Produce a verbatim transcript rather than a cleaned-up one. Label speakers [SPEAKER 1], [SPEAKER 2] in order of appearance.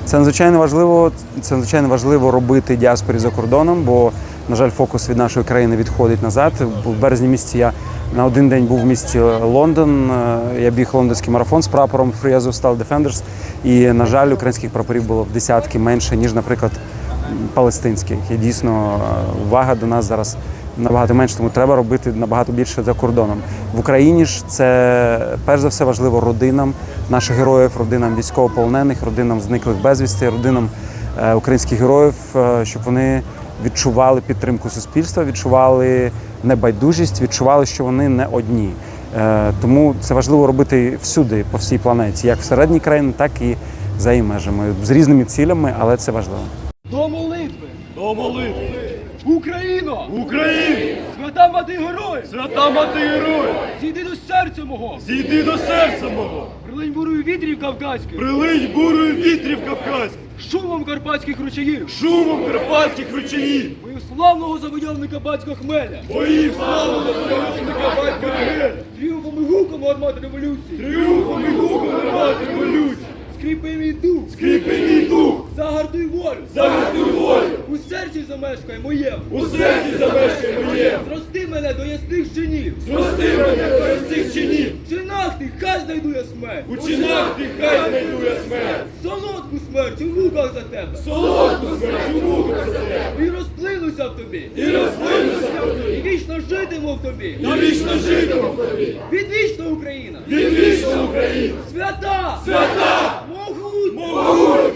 [SPEAKER 1] Це надзвичайно важливо, це надзвичайно важливо робити діаспорі за кордоном, бо, на жаль, фокус від нашої країни відходить назад. В березні місяці я на один день був в місті Лондон, я біг лондонський марафон з прапором Free Azovstal Defenders, і, на жаль, українських прапорів було в десятки менше, ніж, наприклад, палестинських. І дійсно увага до нас зараз набагато менше, тому треба робити набагато більше за кордоном. В Україні ж це, перш за все, важливо родинам наших героїв, родинам військовополонених, родинам зниклих безвісти, родинам е, українських героїв, е, щоб вони відчували підтримку суспільства, відчували небайдужість, відчували, що вони не одні. Е, тому це важливо робити всюди, по всій планеті, як всередині країни, так і за її межами, з різними цілями, але це важливо.
[SPEAKER 2] До молитви!
[SPEAKER 3] До молитви!
[SPEAKER 2] Україно!
[SPEAKER 3] Україні!
[SPEAKER 2] Свята мати героїв!
[SPEAKER 3] Свята мати героїв!
[SPEAKER 2] Зійди до серця мого!
[SPEAKER 3] Зійди до серця мого!
[SPEAKER 2] Прилинь бурою вітрів кавказьких!
[SPEAKER 3] Прилинь бурою вітрів кавказьких!
[SPEAKER 2] Шумом карпатських ручаїв!
[SPEAKER 3] Шумом карпатських ручаїв!
[SPEAKER 2] Мою славного завойовника батька Хмеля!
[SPEAKER 3] Боїв славу завойовника батька Хмеля!
[SPEAKER 2] Тріумфом і гуком гармати революції!
[SPEAKER 3] Тріумфом і гуком гармати революції!
[SPEAKER 2] Скріпи мій дух!
[SPEAKER 3] Скріпи мій дух!
[SPEAKER 2] Загартуй волю!
[SPEAKER 3] Загартуй волю!
[SPEAKER 2] У серці замешкай моєму!
[SPEAKER 3] У серці замешкай моєму!
[SPEAKER 2] Зрости мене до ясних чинів!
[SPEAKER 3] Зрости мене до ясних чинів!
[SPEAKER 2] В чинах ти хай знайду я смерть!
[SPEAKER 3] У чинах ти хай знайду я смерть!
[SPEAKER 2] Солодку смерть у муках за тебе!
[SPEAKER 3] Солодку смерть у муках за тебе!
[SPEAKER 2] І розплинуся в тобі!
[SPEAKER 3] І розплинуся в тобі!
[SPEAKER 2] І вічно житиму в тобі!
[SPEAKER 3] І вічно житиму в тобі!
[SPEAKER 2] Відвічна Україна!
[SPEAKER 3] Відвічна Україна!
[SPEAKER 2] Свята!
[SPEAKER 3] Свята!
[SPEAKER 2] Могутня!
[SPEAKER 3] Могутня!